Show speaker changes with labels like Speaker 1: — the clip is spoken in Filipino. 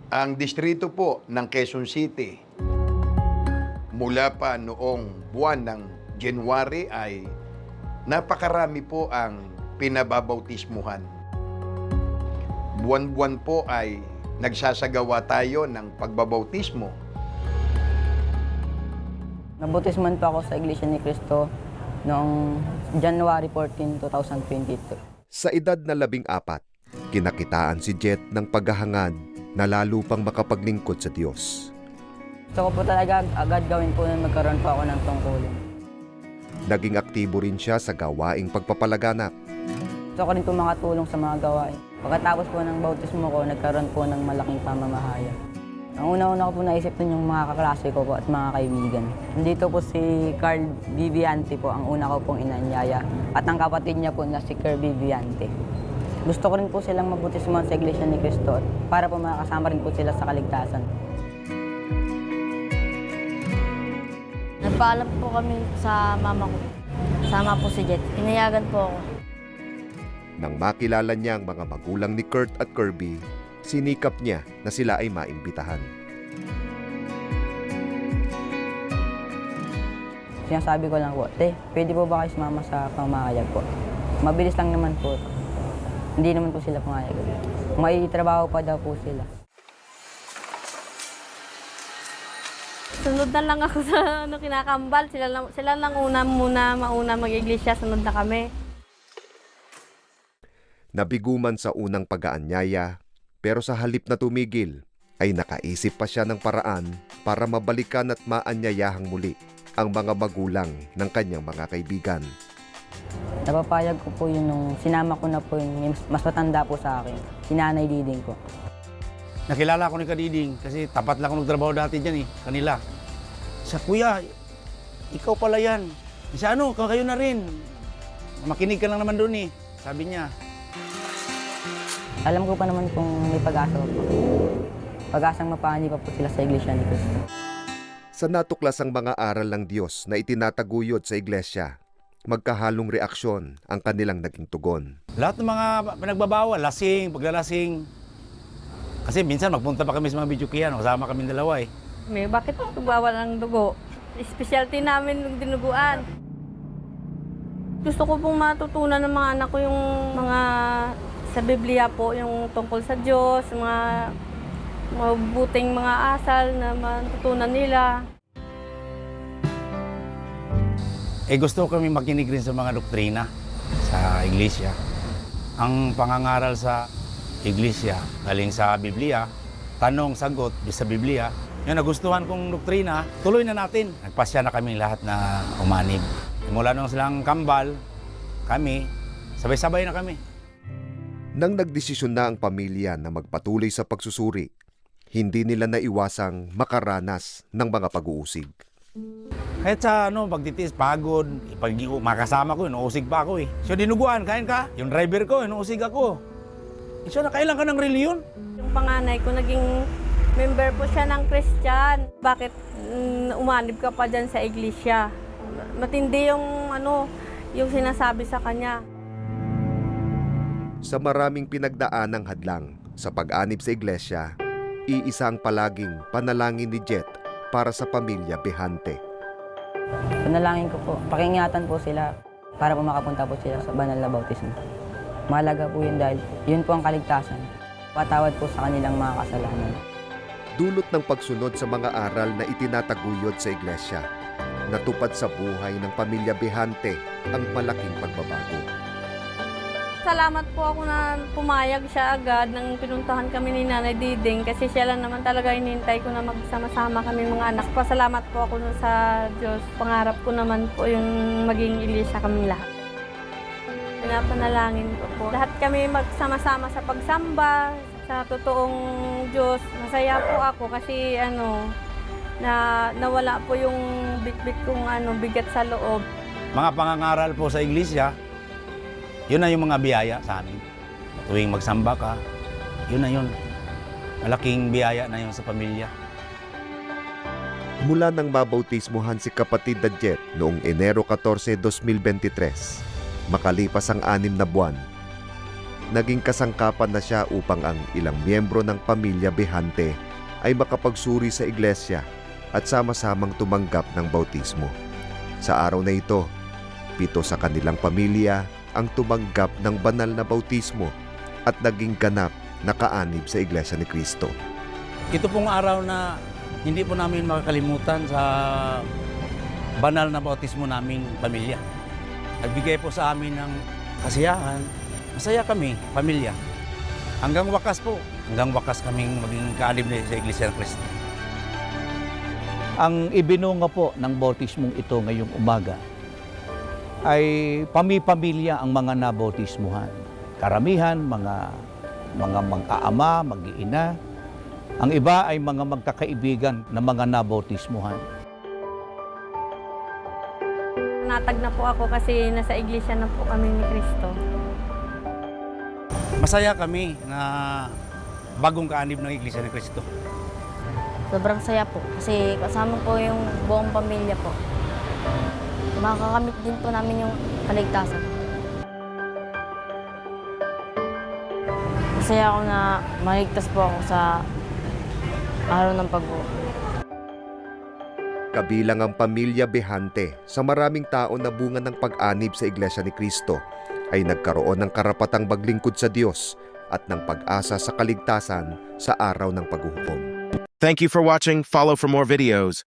Speaker 1: Ang distrito po ng Quezon City, mula pa noong buwan ng January ay napakarami po ang pinababautismuhan. Buwan-buwan po ay nagsasagawa tayo ng pagbabautismo.
Speaker 2: Nabautisman po ako sa Iglesia ni Cristo noong January 14, 2022.
Speaker 3: Sa edad na 14, kinakitaan si Jet ng paghahangad na lalo pang makapaglingkod sa Diyos.
Speaker 2: Gusto ko po talaga agad gawin po na magkaroon po ako ng tungkulin.
Speaker 3: Naging aktibo rin siya sa gawaing pagpapalaganap.
Speaker 2: Gusto ko rin po makatulong sa mga gawain. Pagkatapos po ng bautismo ko, nagkaroon po ng malaking pamamahaya. Ang una-una ko po naisip nun yung mga kaklase ko po at mga kaibigan. Nandito po si Carl Viviante po, ang una ko pong inanyaya. At ang kapatid niya po na si Kerr Viviante. Gusto ko rin po silang mabautismohan sa Iglesia ni Cristo para po makasama rin po sila sa kaligtasan.
Speaker 4: Nagpaalam po kami sa mama ko. Sama po si Jet. Pinayagan po ako.
Speaker 3: Nang makilala niya ang mga magulang ni Kurt at Kirby, sinikap niya na sila ay maimbitahan.
Speaker 2: Sinasabi ko lang po, pwede po ba kayo sumama sa pamayag po? Mabilis lang naman po. Hindi naman po sila pumayag. May trabaho pa daw po sila.
Speaker 4: Sunod na lang ako sa kinakambal. Sila lang mauna mag-iglesia. Sunod na kami.
Speaker 3: Nabiguman sa unang pag-aanyaya, pero sa halip na tumigil, ay nakaisip pa siya ng paraan para mabalikan at maanyayahang muli ang mga magulang ng kanyang mga kaibigan.
Speaker 2: Napapayag ko po yun nung sinama ko na po yung mas matanda po sa akin, si Nanay Diding ko.
Speaker 5: Nakilala ko ni Kadiding kasi tapat lang ako nagtrabaho dati dyan kanila. Sa kuya, ikaw pala yan. Sa ano, kayo na rin. Makinig ka lang naman doon sabi niya.
Speaker 2: Alam ko pa naman kung may pag-asa po. Pag-asang mapahali pa po sila sa Iglesia ni Cristo.
Speaker 3: Sa natuklasang mga aral ng Diyos na itinataguyod sa iglesia, magkahalong reaksyon ang kanilang naging tugon.
Speaker 5: Lahat ng mga pinagbabawal, lasing, paglalasing. Kasi minsan magpunta pa kami sa mga bidyukian, kasama kami dalawa
Speaker 4: Bakit bawal ang dugo? Specialty namin yung dinuguan. Gusto ko pong matutunan ng mga anak ko yung mga sa Biblia po, yung tungkol sa Diyos, mga mabuting mga asal na matutunan nila.
Speaker 5: Gusto ko kami makinig rin sa mga doktrina sa iglesia. Ang pangangaral sa iglesia, galing sa Biblia, tanong, sagot, sa Biblia. Yung nagustuhan kong doktrina, tuloy na natin. Nagpasya na kami lahat na umanib. Mula nung silang kambal, kami, sabay-sabay na kami.
Speaker 3: Nang nagdesisyon na ang pamilya na magpatuloy sa pagsusuri, hindi nila naiwasang makaranas ng mga pag-uusig.
Speaker 5: Kahit sa pagtitiis, pagod, pag makasama ko, inuusig pa ako So dinuguan, kain ka? Yung driver ko, inuusig ako. So nakailan ka ng reliyon?
Speaker 4: Yung panganay ko, naging member po siya ng Christian. Bakit umanib ka pa dyan sa iglesia? Matindi yung sinasabi sa kanya.
Speaker 3: Sa maraming pinagdaanang hadlang sa pag-anib sa iglesia, iisang palaging panalangin ni Jet para sa pamilya Behante.
Speaker 2: Panalangin ko po, pakingatan po sila para po makapunta po sila sa banal na bautismo. Mahalaga po yun dahil yun po ang kaligtasan. Patawad po sa kanilang mga kasalanan.
Speaker 3: Dulot ng pagsunod sa mga aral na itinataguyod sa iglesia, natupad sa buhay ng pamilya Behante ang malaking pagbabago.
Speaker 4: Salamat po ako na pumayag siya agad nang pinuntahan kami ni Nanay Diding kasi siya lang naman talaga hinihintay ko na magsama-sama kami mga anak. Pasalamat po ako sa Diyos. Pangarap ko naman po yung maging iglesia kaming lahat. Pinapanalangin ko po. Lahat kami magsama-sama sa pagsamba, sa totoong Diyos. Masaya po ako kasi na nawala po yung bit-bit kong bigat sa loob.
Speaker 5: Mga pangangaral po sa iglesia, yun na yung mga biyaya sa amin. Tuwing magsamba ka, yun na yun. Malaking biyaya na yun sa pamilya.
Speaker 3: Mula nang mabautismuhan si kapatid na Jet noong Enero 14, 2023, makalipas ang 6 na buwan, naging kasangkapan na siya upang ang ilang miyembro ng pamilya Behante ay makapagsuri sa iglesia at sama-samang tumanggap ng bautismo. Sa araw na ito, 7 sa kanilang pamilya ang tumanggap ng banal na bautismo at naging ganap na kaanib sa Iglesia ni Cristo.
Speaker 5: Ito pong araw na hindi po namin makakalimutan sa banal na bautismo naming pamilya. Nagbigay po sa amin ng kasiyahan. Masaya kami, pamilya. Hanggang wakas kaming maging kaanib na sa Iglesia ng Cristo.
Speaker 6: Ang ibinunga po ng bautismong ito ngayong umaga ay pamilya ang mga nabautismuhan. Karamihan, mga mag-aama, mag-iina. Ang iba ay mga magkakaibigan na mga nabautismuhan.
Speaker 4: Natag na po ako kasi nasa iglesia na po kami ni Cristo.
Speaker 5: Masaya kami na bagong kaanib ng Iglesia ni Cristo.
Speaker 7: Sobrang saya po kasi kasama po yung buong pamilya po. Makakamit din po namin yung kaligtasan. Masaya ako na maligtas po ako sa araw ng pag-uwi.
Speaker 3: Kabilang ang pamilya Behante sa maraming tao na bunga ng pag-anib sa Iglesia ni Cristo ay nagkaroon ng karapatang maglingkod sa Diyos at ng pag-asa sa kaligtasan sa araw ng paghuhukom.
Speaker 8: Thank you for watching. Follow for more videos.